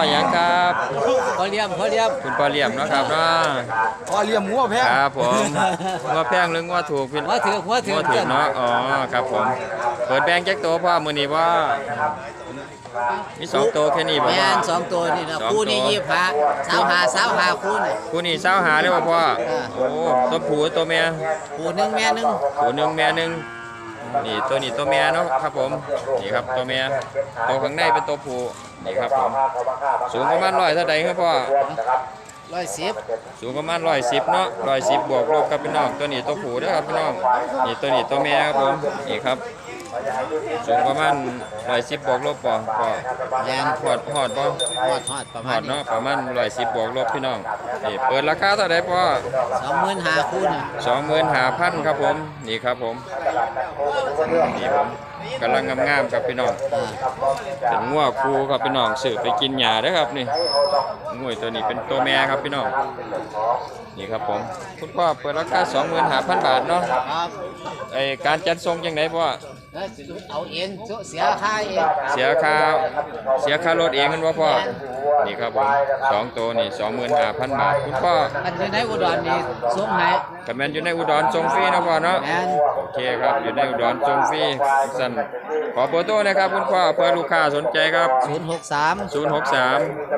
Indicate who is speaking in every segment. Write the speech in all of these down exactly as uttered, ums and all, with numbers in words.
Speaker 1: หยังครับ
Speaker 2: พอเลี้ยมพอเลี้ยม
Speaker 1: คุณพ่อเลี่ยมเนาะครับเนาะ
Speaker 3: พอเลี้ยงงัวแพง
Speaker 1: ครับผมงัวแพงหรืองัวถูกพี่
Speaker 2: หัวถือหัวถื
Speaker 1: งั
Speaker 2: อ
Speaker 1: วถูกเนาะอ๋อครับผมเปิดแบงค์แจ็คโตพ่อมือนี้ว่ามีสองโตแค่นี้บ่
Speaker 2: แม่
Speaker 1: พ่อน
Speaker 2: สองตัวนี่นะ
Speaker 1: สอง
Speaker 2: คู่นี่
Speaker 1: ตัว
Speaker 2: ยี่ห้าสาวหาสาวหาคู่นี่
Speaker 1: คู่นี้เศร้าหาได้บ่พ่อ
Speaker 2: เออ
Speaker 1: โอ้ตัวผู้ตัวเมีย
Speaker 2: คู่หนึ่งแม่หนึ่ง
Speaker 1: ผู้หนึ่งแม่หนึ่งนี่ตัวนี้ตัวเมียเนาะครับผมนี่ครับตัวเมียตัวข้างในเป็นตัวผู้นี่ครับผมสูงประมาณร้อยเท่าใดครับพ่อ
Speaker 2: ร้อยสิบ
Speaker 1: สูงประมาณร้อยสิบเนาะร้อยสิบบวกลบครับพี่น้องตัวนี้ตัวผู้เด้อครับพี่น้องนี่ตัวนี้ตัวเมียครับผมนี่ครับสูงประมาณร้อยสิบบวกลบป่ะป่ะ
Speaker 2: แม่น
Speaker 1: หอดหอดป่ะ
Speaker 2: ฮอดฮอดประ
Speaker 1: ห
Speaker 2: มา
Speaker 1: อ
Speaker 2: ณ
Speaker 1: ด
Speaker 2: นี้
Speaker 1: เนาะประมาณร้อยสิบบวกลบพี่น้องนี่เปิดราคาเท่าไหร่ป่ะ
Speaker 2: สองหมื่นห้าคู่นี่
Speaker 1: สองหมื่นห้าพันครับผมนี่ครับผมนี่ผมกำลังงามๆครับพี่น้อง
Speaker 2: อ่า
Speaker 1: เป็นงัวคูครับพี่น้องสืบไปกินหญ้าเด้อครับนี่งัวตัวนี้เป็นตัวแม่ครับพี่น้องนี่ครับผมคุณพ่อเปิดราคาสองหมื่นห้าพันบาทเนาะ
Speaker 2: ครับ
Speaker 1: ไอการจัดส่งยังไงพ่อ
Speaker 2: แล้วเอาเองเสียค่าเอง
Speaker 1: เสียค่าเสียค่ารถเองกันวะพ่อนี่ครับผมสองตัวนี่สองหมื่นห้าพันบาทคุณพ่อ
Speaker 2: อันอยู่ในอุดรนี่ส่งให้
Speaker 1: กับแมนอยู่ในอุดรส่งฟรีนะพ่อเนาะ
Speaker 2: แม่น
Speaker 1: โอเคครับอยู่ในอุดรส่งฟรีสั่นขอเบอร์โทรนะครับคุณพ่อเพื่อลูกค้าสนใจครับ
Speaker 2: ศูนย์หกสาม
Speaker 1: ศูนย์หกสาม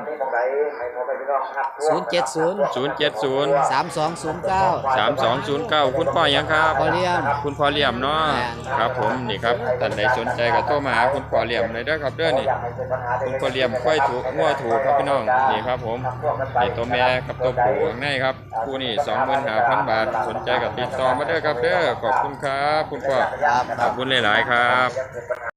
Speaker 2: ศูนย์เจ็ดศูนย์
Speaker 1: ศูนย์เจ็ดศูนย์
Speaker 2: สามสองศูนย์เก้า
Speaker 1: สามสองศูนย์เก้าคุณพ่อยังครับ
Speaker 2: พอเลี้ยม
Speaker 1: คุณพ่อเหลี่ยมเนาะ
Speaker 2: แม่น
Speaker 1: ครับผมนี่ครับท่านใดสนใจก็โทรมาหาคุณพ่อเหลี่ยมเลยเด้อครับเด้อนี่คุณพ่อเหลี่ยมค่อยถูกงัวถูกครับพี่น้องนี่ครับผมนี่ตัวแม่กับตัวผู้ข้างในครับคู่นี่สองหมื่นห้าพันบาทสนใจก็ติดต่อมาเด้อครับเด้อขอบคุณครับคุณพ่อ
Speaker 2: ครับ
Speaker 1: ขอบคุณหลายๆครับ